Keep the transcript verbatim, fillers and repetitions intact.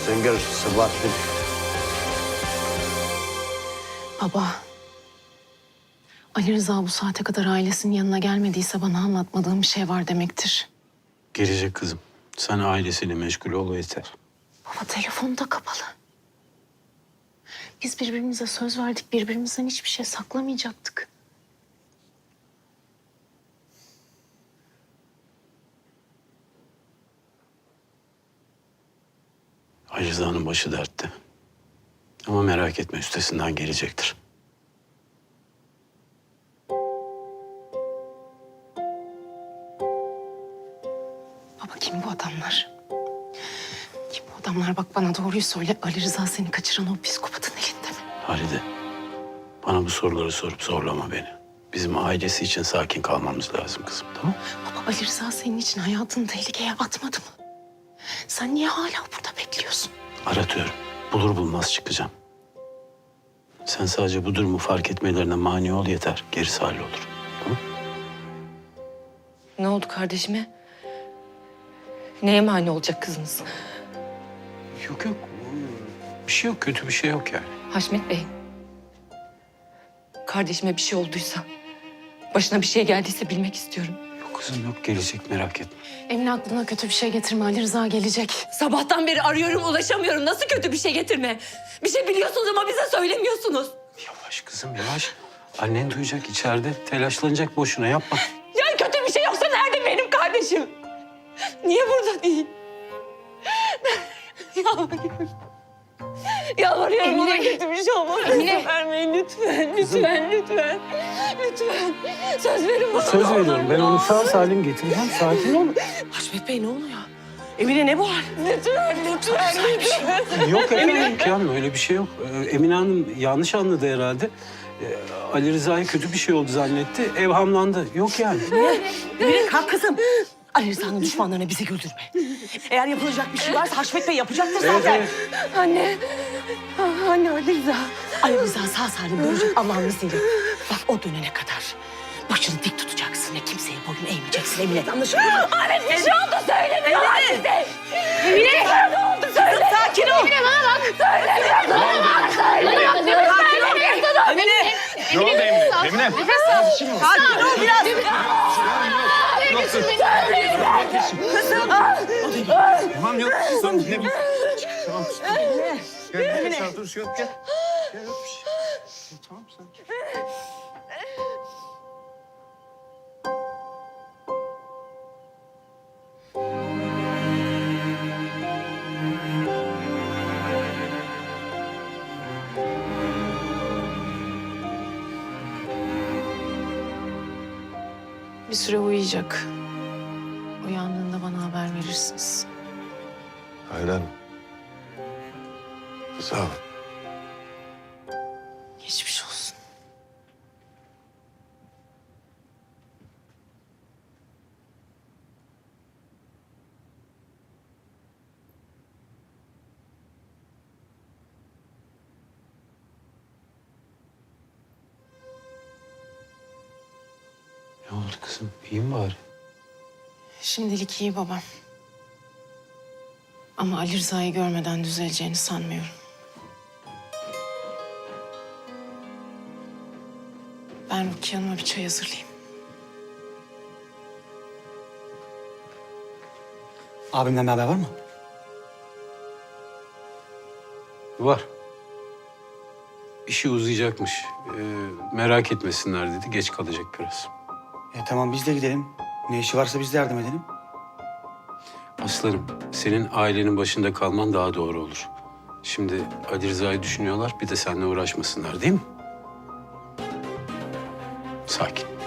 Sen gör Sabahattin. Baba. Ali Rıza bu saate kadar ailesinin yanına gelmediyse bana anlatmadığım bir şey var demektir. Gelecek kızım. Sen ailesiyle meşgul ol yeter. Baba telefonu da kapalı. Biz birbirimize söz verdik. Birbirimizden hiçbir şey saklamayacaktık. Ali Rıza'nın başı dertte. Ama merak etme, üstesinden gelecektir. Baba kim bu adamlar? Kim bu adamlar? Bak bana doğruyu söyle. Ali Rıza seni kaçıran o psikopatın elinde mi? Halide, bana bu soruları sorup zorlama beni. Bizim ailesi için sakin kalmamız lazım kızım, tamam mı? Baba Ali Rıza senin için hayatını tehlikeye atmadı mı? Sen niye hala burada bekliyorsun? Aratıyorum. Bulur bulmaz çıkacağım. Sen sadece bu durumu fark etmelerine mani ol yeter. Gerisi hallolur. Tamam? Ne oldu kardeşime? Neye mani olacak kızınız? Yok yok. Bir şey yok. Kötü bir şey yok yani. Haşmet Bey. Kardeşime bir şey olduysa, başına bir şey geldiyse bilmek istiyorum. Yok kızım yok. Gelecek, merak etme. Emine aklına kötü bir şey getirme. Ali Rıza gelecek. Sabahtan beri arıyorum, ulaşamıyorum. Nasıl kötü bir şey getirme? Bir şey biliyorsunuz ama bize söylemiyorsunuz. Yavaş kızım yavaş. Annen duyacak içeride. Telaşlanacak boşuna, yapma. Ya kötü bir şey yoksa nerede benim kardeşim? Niye burada değil? Yalvarıyorum. Yalvarıyorum, ona kötü bir şey olmaz. Emine. Vermeyin lütfen, lütfen, lütfen. Lütfen. Söz verin bana. Söz ne olur, veriyorum. Ben ne onu olur. sağ salim getireceğim. Sakin ol. Haşmet Bey ne oluyor? Emine ne bu hal? Lütfen, lütfen, lütfen. Yok efendim imkanım öyle bir şey yok. Ee, Emine Hanım yanlış anladı herhalde. Ee, Ali Rıza'ya kötü bir şey oldu zannetti. Evhamlandı. Yok yani. Emine kalk kızım. Ali Rıza'nın düşmanlarına bizi güldürme. Eğer yapılacak bir şey varsa Haşmet Bey yapacaktır zaten. Evet, Anne. Ah, Anne Ali Rıza. Ali Rıza sağ salim dönecek Allah'ın izniyle. Bak o dönene kadar başını dik tutacaksın ve kimseye boyun eğmeyeceksin Emine. Anlaşıldı mı? Ahmet bir şey oldu söylemiyorlar bize. Emine. Ne oldu söyle. Sakin ol. Emine bana bak. Söylemiyorsun bana. Söylemiyorsun. Söylemiyorsun. Emine. Ne oldu Emine? Emine. Sakin ol biraz. Tamam yok. Tamam ne bir... Tamam. Gel gel sen dur yok gel. Gel yok bir şey. Tamam sakin. Bir süre uyuyacak. Uyandığında bana haber verirsiniz. Aynen. Sağ ol. Geçmiş olsun. Ne oldu kızım? İyi mi bari? Şimdilik iyi babam. Ama Ali Rıza'yı görmeden düzeleceğini sanmıyorum. Ben Rukiye Hanım'a bir çay hazırlayayım. Abimden bir haber var mı? Var. İşi uzayacakmış. Ee, merak etmesinler dedi. Geç kalacak biraz. E tamam biz de gidelim. Ne işi varsa biz de yardım edelim. Aslarım, senin ailenin başında kalman daha doğru olur. Şimdi Ali Rıza'yı düşünüyorlar, bir de seninle uğraşmasınlar değil mi? Sakin.